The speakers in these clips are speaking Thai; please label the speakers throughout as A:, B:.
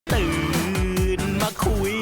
A: ตื่นมาคุย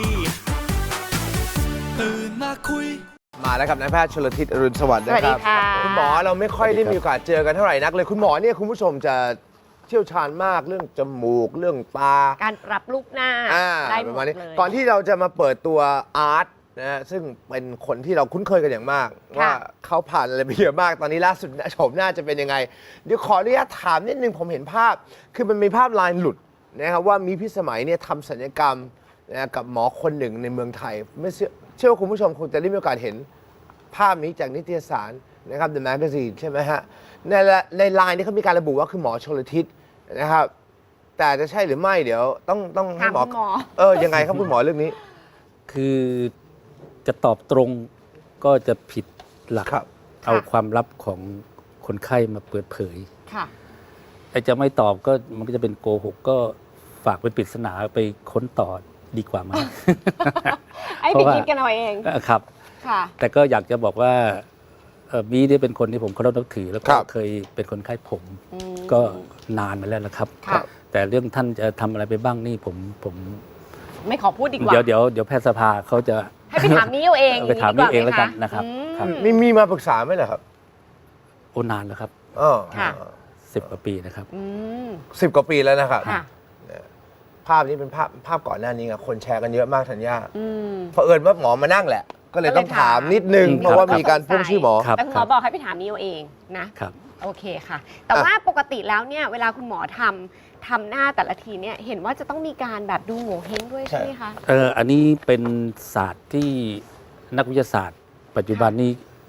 B: มาแล้วครับนายแพทย์ชลทิศอรุณสวัสดิ์นะครับ
C: สวัสดีค่ะ
B: คุณหมอเราไม่ค่อยได้มีโอกาสเจอกันเท่าไหร่นักเลยคุณหมอเนี่ยคุณผู้ชมจะเชี่ยวชาญมากเรื่องจมูกเรื่องตา
C: การปรับลูกหน้าได้ห
B: ป
C: ม
B: ระ
C: ด
B: มาณนี้
C: เลย
B: ก่อนที่เราจะมาเปิดตัวอาร์ตนะฮะซึ่งเป็นคนที่เราคุ้นเคยกันอย่างมาก ว่าเขาผ่านอะไรไปเยอะมากตอนนี้ล่าสุดโฉมหน้าจะเป็นยังไงเดี๋ยวขออนุญาตถามนิดนึงผมเห็นภาพคือมันมีภาพลายหลุดนะครับว่ามีพิสมัยเนี่ยทำศัลยกรรมนะกับหมอคนหนึ่งในเมืองไทยไม่เชื่อว่าคุณผู้ชมคงจะได้มีโอกาสเห็นภาพนี้จากนิตยสารนะครับ The Magazine ใช่ไหมฮะในไลน์นี่เขามีการระบุว่าคือหมอชลทิศนะครับแต่จะใช่หรือไม่เดี๋ยวต้องให้หมอ
C: ถามคุณหมอ
B: ยังไงครับคุณหมอเรื่องนี้
D: คือจะตอบตรงก็จะผิดหลัก
B: ครับ
D: เอาความลับของคนไข้มาเปิดเผย
C: ค่ะ
D: ไอ้จะไม่ตอบก็มันก็จะเป็นโกหกก็ฝากเป็นปริศนาไปค้นต่อดีกว่ามั้ง
C: ไอ้
D: เพ
C: ไป
D: ราะว่า
C: คิดกันเอาเอง
D: ครับ
C: ค่ะ
D: แต่ก็อยากจะบอกว่าบีเนี่ยเป็นคนที่ผมเคารพนับถือ แล้ว
B: ค
D: ก็
B: รับ
D: เคยเป็นคนไข้ผม
C: อืม
D: ก็นานมาแล้วนะครับ
C: ค่ะ
D: แต่เรื่องท่านจะทำอะไรไปบ้างนี่ผม
C: ไม่ขอพูดดีกว่า
D: เดี๋ยวแพทยสภาเขาจะ
C: ให้ไปถามนิ้วเอาเอง
D: ไปถามนิ้วเอง
C: ดี
D: แล้ว
C: ไห
D: กันนะครับ
C: อืม
D: ครับ
B: มีมาปรึกษาไหมเหรอครับ
D: โอ้นานแล้วครับ
C: ค่ะ
D: 10 กว่าปีนะครับ
C: อืม
B: 10 กว่าปีแล้วนะครับ
C: ค่ะ
B: ภาพนี้เป็นภาพก่อนหน้านี้คนแชร์กันเยอะมากธัญญา
C: อืม
B: เผอิญว่าหมอมานั่งแหละ ก็เลยต้องถามนิดนึง
D: อืม
B: เพราะว่ามีการพ่วงชื่อหมอ
D: ครับ
C: แต่คุณหมอบอกให้ไปถามนิ้วเองนะ
D: ครับ
C: โอเคค่ะ แต่ว่าปกติแล้วเนี่ยเวลาคุณหมอทำหน้าแต่ละทีเนี่ยเห็นว่าจะต้องมีการแบบดูโง่เฮงด้วยใช่ไหมคะ
D: อันนี้เป็นศาสตร์ที่นักวิทยาศาสตร์ ปัจจุบันนี้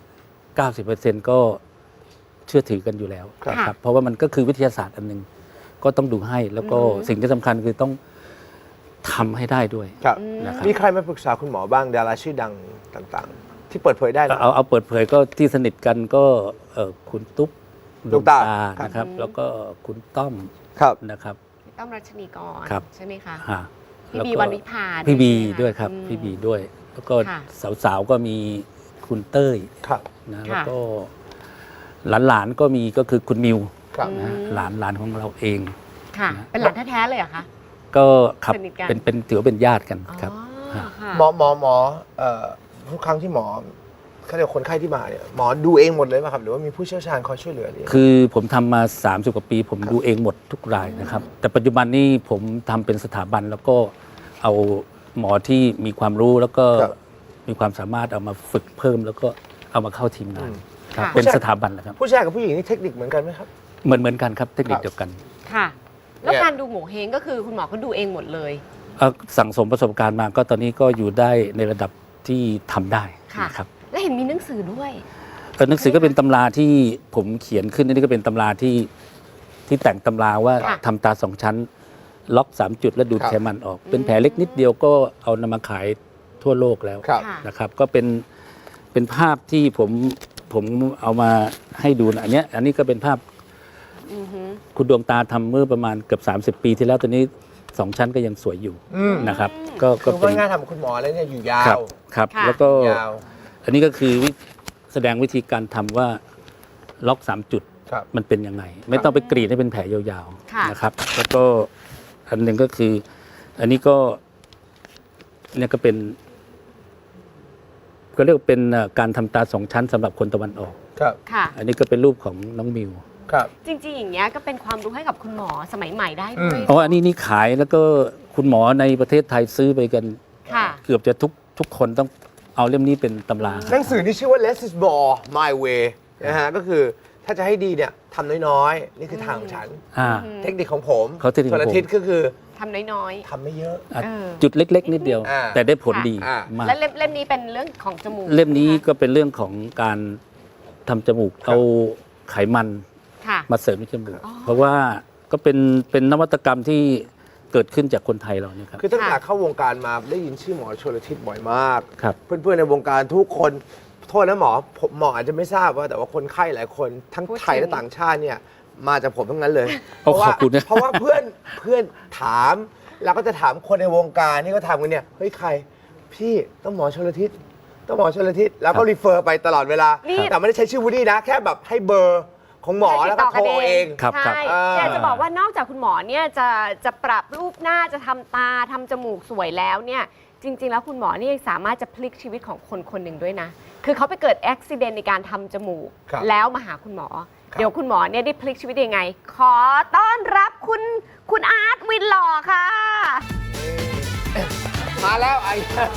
D: 90% ก็เชื่อถือกันอยู่แล้ว
B: ครับ
D: ครับ เพราะว่ามันก็คือวิทยาศาสตร์อันหนึง ก็ต้องดูให้ แล้วก็
C: อืม
D: สิ่งที่สำคัญคือต้องทำให้ได้ด้วย
B: ครับ
D: นะครับ
B: มีใครมาปรึกษาคุณหมอบ้างดาราชื่อดังต่างๆ ที่เปิดเผยได้นะ
D: เอาเปิดเผยก็ที่สนิทกันก็คุณตุ๊ก
B: ดวงตา
D: นะครับ แล้วก็คุณต้อม
B: ครับ
D: นะครับ
C: ต้อมรัชนีกร
D: ครับ
C: ใช่ไหมคะ
D: ฮะ
C: พี่
D: แล้ว
C: บี
D: ก็
C: วันวิพา
D: พี่บี
C: ใช่ไหมะ
D: ด้วยครับ
C: อืม
D: พี่บีด้วย แล้วก็
C: ค่ะ
D: สาวๆก็มีคุณเต้ย
B: ครับ
D: นะแล้ว
C: ค่ะ
D: ก็หลานๆก็มีก็คือคุณมิว
B: ครับ
D: นะฮะ
C: อืม
D: หลานของเราเอง
C: ค่ะ
D: นะ
C: เป็นหลานแท้ๆเลยเหรอคะ
D: ก็ครับ
C: สนิทกัน
D: เป็นถือว่าเป็นญาติกันครับ
C: อ๋อ
D: ฮะ
C: ค่ะ
B: หมอทุกครั้งที่หมอเขาเรียกคนไข้ที่มาเนี่ยหมอดูเองหมดเลยไหมครับหรือว่ามีผู้เชี่ยวชาญคอยช่วยเหลือหรือ
D: คือผมทำมา 30 กว่าปี ผมดูเองหมดทุกรายนะครับ แต่ปัจจุบันนี้ผมทำเป็นสถาบันแล้วก็เอาหมอที่มีความรู้แล้วก็มีความสามารถเอามาฝึกเพิ่ม แล้วก็เอามาเข้าทีมงานครับ
C: ค่ะ
D: เป็นสถาบันนะครับ
B: ผู้ชายกับผู้หญิงนี่เทคนิคเหมือนกันไหมครับ
D: เหมือนกันครับเทคนิคเดียวกัน
C: ค่ะ แล้ว
B: เนี่ย
C: การดูโง่เฮงก็คือคุณหมอก็ดูเองหมดเลย
D: สั่งสมประสบการณ์มาก็ตอนนี้ก็อยู่ได้ในระดับที่ทำได้
C: ค่ะ
D: นะครับ
C: และเห็นมีหนังสือด้วย
D: หนังสือก็เป็นตำราที่ผมเขียนขึ้นนี่ก็เป็นตำราที่แต่งตำราว่า
C: ค่ะ
D: ทำตาสองชั้น ล็อก 3 จุดแล้วดูด
B: ครับ
D: ไขมันออก เป็นแผลเล็กนิดเดียวก็เอานำมาขายทั่วโลกแล้ว
B: ครับ
C: ค่ะ
D: นะครับ ก็เป็นภาพที่ผมเอามาให้ดูนะอันนี้ก็เป็นภาพ
C: อือฮึ
D: คุณดวงตาทำเมื่อประมาณเกือบ30 ปีที่แล้วตอนนี้ 2 ชั้นก็ยังสวยอยู่
B: อืม
D: นะครับ
B: คื
D: ก็
B: อ
D: เป็
B: ว่าน งานทำกับคุณหมอแล้วเนี่ยอยู่ยา
D: ครับ
B: ว
D: ครับ
C: ค่ะ
D: แล้วก็
B: ยาว
D: อันนี้ก็คือแสดงวิธีการทำว่าล็อก 3 จุด
B: ครับ
D: มันเป็นยังไง ไม่ต้องไปกรีดให้เป็นแผลยาว
C: ค่ะ
D: ๆนะครับ แล้วก็อันหนึ่งก็คือ อันนี้ก็เนี่ยก็เป็น ก็เรียกว่าเป็นการทำตาสองชั้นสำหรับคนตะวันออก
B: ครับ
C: ค่ะ
D: อันนี้ก็เป็นรูปของน้องมิว
B: ครับ
C: จริงๆ อย่างเงี้ยก็เป็นความรู้ให้กับคุณหมอสมัยใหม่ได้ด้วย
D: อ๋ออันนี้นี่ขายแล้วก็คุณหมอในประเทศไทยซื้อไปกัน
C: ค่ะ
D: เกือบจะทุกคนต้องเอาเล่มนี้เป็นตำรา
B: หนังสือนี่ชื่อว่า Less is more my way นะฮะก็คือถ้าจะให้ดีเนี่ยทำน้อยๆ นี่คือทางของฉัน
D: อ่า
B: เทคนิคของผม
D: เขาเทคนิคของผม
B: ส่วนอาทิตย์ก็คือ
C: ทำน้อย
B: ทำไม่เยอะ
D: อ่ะ
C: เออ
D: จุดเล็ก ๆ นิดเดียว
B: อ่า
D: แต่ได้ผลดี
B: อ่า
D: มาก
C: และเล่มนี้เป็นเรื่องของจมูก
D: เล่มนี้ก็เป็นเรื่องของการทำจมูกเอาไขมัน
C: ค่ะ
D: มาเสริมในจมูก
C: อ๋อ
D: เพราะว่าก็เป็นนวัตกรรมที่เกิดขึ้นจากคนไทยเราเนี่ยครับ
B: คือตั้งแต่
C: ค่ะ
B: เข้าวงการมาได้ยินชื่อหมอชลทิศบ่อยมาก
D: ครับ
B: เพื่อนๆในวงการทุกคนโทษนะหมอผมหมออาจจะไม่ทราบว่าแต่ว่าคนไข้หลายคนทั้ง
C: พูด
B: ไทย
C: ถึง
B: และต่างชาติเนี่ยมาจากผมทั้งนั้นเลย
D: โอ้ขอบคุณนะ
B: เพราะว่าเพื่อนถามเราก็จะถามคนในวงการที่เขาทำกันเนี่ยเฮ้ยใครพี่ต้องหมอชลทิศต้องหมอชลทิศแล้วก็รีเฟอร์ไปตลอดเวลา
C: นี่
B: แต่ไม่ได้ใช้ชื่อวูดดี้นะแค่แบบให้เบอร์ของหมอแล้วก็โทรเอง
D: ครับครับ
C: ใช่
B: อ่า
C: อยากจะบอกว่านอกจากคุณหมอเนี่ยจะปรับรูปหน้าจะทำตาทำจมูกสวยแล้วเนี่ยจริง ๆ แล้วคุณหมอนี่สามารถจะพลิกชีวิตของคนคนหนึ่งด้วยนะ คือเขาไปเกิดอุบิเหตุในการทำจมูก
B: ครับ
C: แล้วมาหาคุณหมอ เดี๋ยวคุณหมอเนี่ยได้พลิกชีวิตยังไง ขอต้อนรับคุณอาร์ตวินหล่อค่ะ
B: มาแล้วไอ้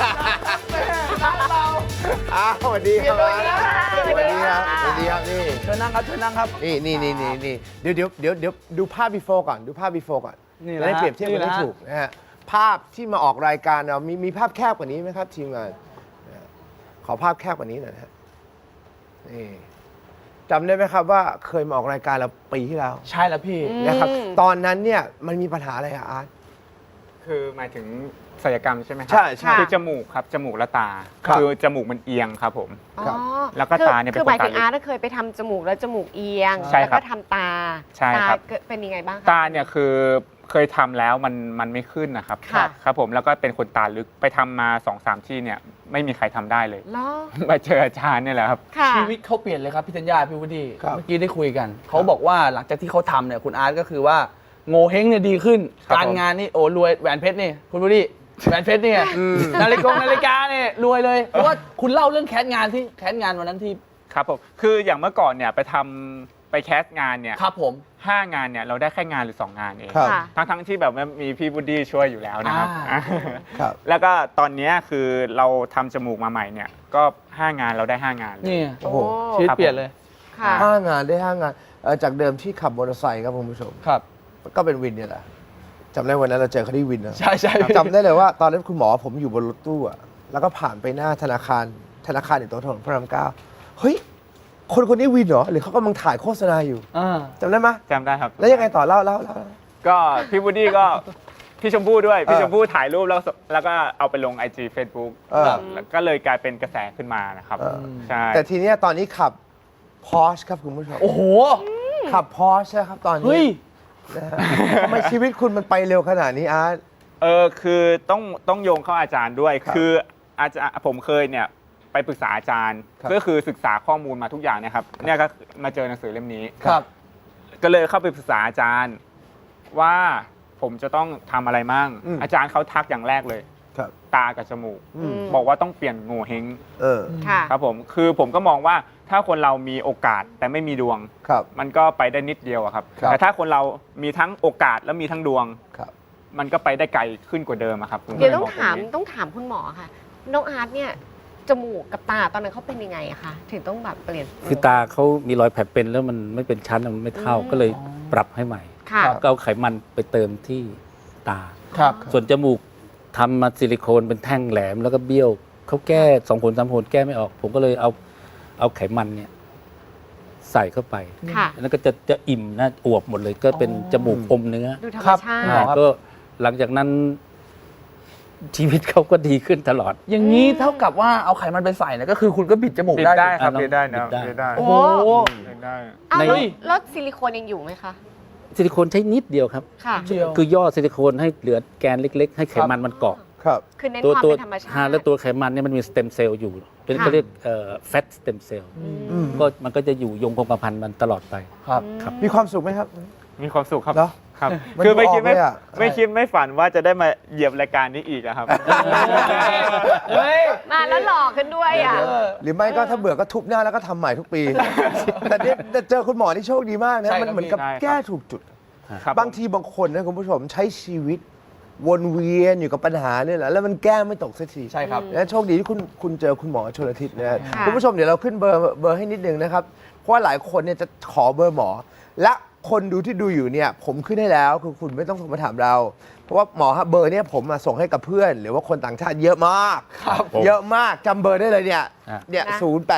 B: เราสวัสดีครับสวัสดีครับสวัสดีครับนี่
A: เชิญนั่งครับเชิญนั่งครับ
B: นี่เดี๋ยวดูภาพ before ก่อนดูภาพ before ก่อน
A: นี่แห
B: จะ
A: ละ
B: ได้เปรียบเทียบกัน
A: นี่แห
B: ได้
A: ละ
B: ถูกนะฮะภาพที่มาออกรายการเรามีภาพแคบกว่านี้ไหมครับทีมงานนะฮะขอภาพแคบกว่านี้หน่อยนะฮะนี่จำได้ไหมครับว่าเคยมาออกรายการเราปีที่แล้ว
A: ใช่แล้วพี่
B: นะครับตอนนั้นเนี่ยมันมีปัญหาอะไรอะอาร์ต
E: คือหมายถึงศัลยกรรมใช่ไหมครั
B: ใช่ใช่
E: คือจมูกครับจมูกและตา
B: ครับ
E: คือจมูกมันเอียงครับผม
B: ครับ
C: อ๋อ
E: แล้วก็ตาเนี่ยเป็น
C: คือหมายถึง
E: คนตาเล็ก
C: อาร์ตเคยไปทำจมูกแล้วจมูกเอียง
E: ใช่
C: แล้ว
E: ครั
C: ก็
E: บ
C: ทำตา
E: ใช่ครับ
C: ตาเป็นยังไงบ้างคะ
E: ตาเนี่ยคือเคยทำแล้วมันไม่ขึ้นนะครับ
C: ค่ะ
E: ครับผมแล้วก็เป็นคนตาลึกไปทำมา 2-3 ที่เนี่ยไม่มีใครทำได้เลย
C: เหรอ
E: มาเจออาจารย์เนี่ยแหละครับ
C: ค่ะ
A: ชีวิตเขาเปลี่ยนเลยครับพี่ธัญญาพี่วุฒิ
B: ครับ
A: เมื่อกี้ได้คุยกัน เขาบอกว่าหลังจากที่เขาทำเนี่ยคุณอาร์ตก็คือว่าโงเฮงเนี่ยดีขึ้น
E: ครับ
A: การงานนี่โอ้รวยแหวนเพชรนี่คุณวุฒิแหวนเพชรนี่ไงนาฬิกาเนี่ยรวยเลยเพราะว่าคุณเล่าเรื่องแคสงานวันนั้นที่
E: ครับผมคืออย่างเมื่อก่อนเนี่ยไปแคสงานเนี่ย
A: ครับผม
E: 5 งานเนี่ยเราได้แค่งานหรือ 2 งานเอง
B: ครับ
C: ค่ะ
E: ทั้งที่แบบว่ามีพี่บูดดี้ช่วยอยู่แล้วนะครับ
B: ครับ
E: แล้วก็ตอนเนี้ยคือเราทำจมูกมาใหม่เนี่ยก็ 5 งานเราได้ 5 งานเลย
A: นี่
B: โอ้โห
A: ชีวิตเปลี่ยนเลย
C: ค่ะ
B: 5 งานได้ 5 งานจากเดิมที่ขับมอเตอร์ไซค์ครับคุณผู้ชม
A: ครับ
B: ก็เป็นวินเนี่ยแหละจำได้วันนั้นเราเจอเขาที่วินนะ
A: ใช่ใช่
B: จำได้เลยว่าตอนนั้นคุณหมอผมอยู่บนรถตู้อะแล้วก็ผ่านไปหน้าธนาคารอยู่ตรงถนนพระรามเก้าเฮ้ยคนนี้วินเหรอหรือเขากำลังถ่ายโฆษณาอยู่
A: อ่า
B: จำได้ไหม
E: จำได้ครับ
B: แล้วยังไงต่อเล่า
E: ก็พี่บูดดี้ก็พี่ชมพู่ด้วย พี่
B: เออ
E: ชมพู่ถ่ายรูปแล้วก็เอาไปลง IG Facebook
B: เออ
E: แล้วก็เลยกลายเป็นกระแสขึ้นมานะครับ
B: เออ
E: ใช่
B: แต่ทีเนี้ยตอนนี้ขับ Porsche ครับคุณผู้ชม
A: โอ้โห
B: ขับ Porsche นะครับตอน
A: เฮ้
B: นี้
A: ย
B: นะฮะทำไมชีวิตคุณมันไปเร็วขนาดนี้อาร์ต
E: คือต้องโยงเข้าอาจารย์ด้วย
B: ครับ
E: คืออาจารย์ผมเคยเนี่ยไปปรึกษาอาจารย์
B: ครับ
E: ก็คือศึกษาข้อมูลมาทุกอย่างเนะครับเนี่ยก็มาเจอหนังสือเล่มนี้
A: ครับ
E: ก็เลยเข้าไปปรึกษาอาจารย์ว่าผมจะต้องทำอะไรมั่ง อาจารย์เขาทักอย่างแรกเลย
B: ครับ
E: ตากับจมูก
B: อืม
E: บอกว่าต้องเปลี่ยนโง่เฮง
B: เออ
C: ค่ะ
E: ครับผมคือผมก็มองว่าถ้าคนเรามีโอกาสแต่ไม่มีดวง
B: ครับ
E: มันก็ไปได้นิดเดียวอะครับ
B: ครับ
E: แต่ถ้าคนเรามีทั้งโอกาสและมีทั้งดวง
B: ครับ
E: มันก็ไปได้ไกลขึ้นกว่าเดิมอะครับผม
C: เดี๋ยวต้อง
E: ก็ล
C: ถาม
E: แบบนี้
C: ต้องถามคุณหมอค่ะ น้องอาร์ตเนี่ยจมูกกับตาตอนนั้นเขาเป็นยังไงอะคะถึงต้องแบบเปลี่ยน
D: คือตาเขามีรอยแผลเป็นแล้วมันไม่เป็นชั้นมันไม่เท่าก็เลยปรับให้ใหม่
C: ค่ะ
D: ก็เอาไขมันไปเติมที่ตา
A: ครับ
D: ส่วนจมูกทำมาซิลิโคนเป็นแท่งแหลมแล้วก็เบี้ยวเขาแก้2 ผล 3 ผลแก้ไม่ออก ผมก็เลยเอาไขมันเนี่ยใส่เข้าไป
C: ค่ะ
D: แล้วก็จะอิ่มนะอวบหมดเลย ก็เป็นจมูกอมเนื้อ
C: ดูธรร
A: ครั
C: ม
A: บ
C: ชา
A: อ๋อ
C: ติ
A: ครับ
D: ก็หลังจากนั้น ชีวิตเขาก็ดีขึ้นตลอด
A: อย่างนี้เท่ากับว่าเอาไขมันไปใส่เนี่ยก็คือคุณก็บิดจมูก
E: บิด
A: ได้
E: ได้ครับ
D: อ่ะ
E: บิดได้นะ
D: บิดได้
E: บิดได้
A: โอ้โห
E: บิดได้
C: อ้าว
D: ใน
C: แล้วซิลิโคนยังอยู่ไหมคะ
D: ซิลิโคนใช้นิดเดียวครับ
C: ค่ะ
A: เดียว
D: คือย่อซิลิโคนให้เหลือแกนเล็ก ๆ ให้ไขมันมันเกาะ
B: ครับ
C: คือเน้น
D: ตัว
C: ความ
D: ตัว
C: เป็นธรรมชาติ
D: แล้วตัวไขมันเนี่ยมันมีสเต็มเซลล์อยู่เป็น
C: ค่ะ
D: เขาเรียกแฟตสเต็มเซลล์
B: อืม
D: ก็มันก็จะอยู่ยงคงกระพันมันตลอดไป
A: ครับ
D: ครับ
B: มีความสุขไหมครับ
E: มีความสุขครับ
B: เหรอ
E: ครับ
B: มัน
E: คือไม่คิด
B: ดูออกเลยอะ
E: ไม่คิดไม่ฝันว่าจะได้มาเหยียบรายการนี้อีกอะครับ
A: เฮ้ย
C: มาแล้วหล่อขึ้นด้วยอ่ะ
B: หรือไม่ก็ถ้าเบื่อก็ทุบหน้าแล้วก็ทำใหม่ทุกปี แต่เนี่ยเจอคุณหมอที่โชคดีมากนะ
A: ใช่
B: มัน
A: ครับ
B: เหมือนกับ
E: ใช่ครับ
B: แก้ถูกจุด
E: ครับ
B: บางทีบางคนนะคุณผู้ชมใช้ชีวิต วนเวียนอยู่กับปัญหาเนี่ยแหละแล้วมันแก้ไม่ตกสักที
A: ใช่ครับ
B: นะโชคดีที่คุณเจอคุณหมอชลทิศนะฮะ
C: ค่ะ
B: คุณผู้ชมเดี๋ยวเราขึ้นเบอร์ให้นิดนึงนะครับ เพราะว่าหลายคนเนี่ยจะขอเบอร์หมอ และคนดูที่ดูอยู่เนี่ยผมขึ้นให้แล้วคือคุณไม่ต้องโทรมาถามเรา เพราะว่าหมอฮะเบอร์เนี่ยผมมาส่งให้กับเพื่อน หรือว่าคนต่างชาติเยอะมากเยอะมากจำเบอร์ได้เลยเนี่ย
D: อ่ะ
B: เนี่ย
C: นะ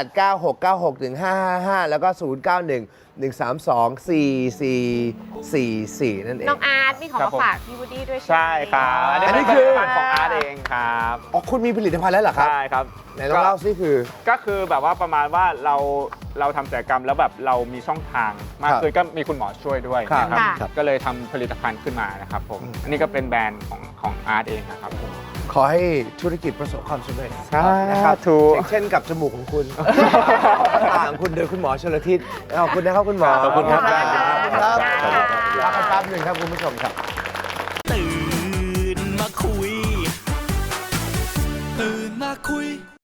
B: 0896961555 แล้วก็ 0911324444 นั่นเอง
C: น้องอาร์ตมีของ
E: ครั
C: มา
E: บผม
C: ฝากพี่วูดดี้ด้วย
E: ใช่ครับ
B: อันนี้
E: เป็น
B: คือ
E: ผลิตภัณฑ์ของอาร์ตเองครับ
B: อ๋อคุณมีผลิตภัณฑ์แล้วเหรอครับ
E: ใช่ครับ
B: ไหนลองเล่าซิคือ
E: ก็คือแบบว่าประมาณว่าเราทำศัลยกรรมแล้วแบบเรามีช่องทางมาก
B: ครับ
E: ขึ้นก็มีคุณหมอช่วยด้วย
B: ครับ
E: นะครับ
C: ค่ะ
E: ก็เลยทำผลิตภัณฑ์ขึ้นมานะครับผม อันนี้ก็เป็นแบรนด์ของอาร์ตเองนะครับผม
B: ขอให้ธุรกิจประสบความสำเร็จ
E: สา
B: นะครับ
E: ธุ
B: เช่นกับจมูกของคุณตาของคุณโดยคุณหมอชลทิศขอบคุณนะครับคุณหมอ
D: ขอบคุณครับ
B: ขอบคุณครับลากันแป๊บหนึ่งครับคุณผู้ชมครับ
F: ตื่นมาคุย ตื่นมาคุย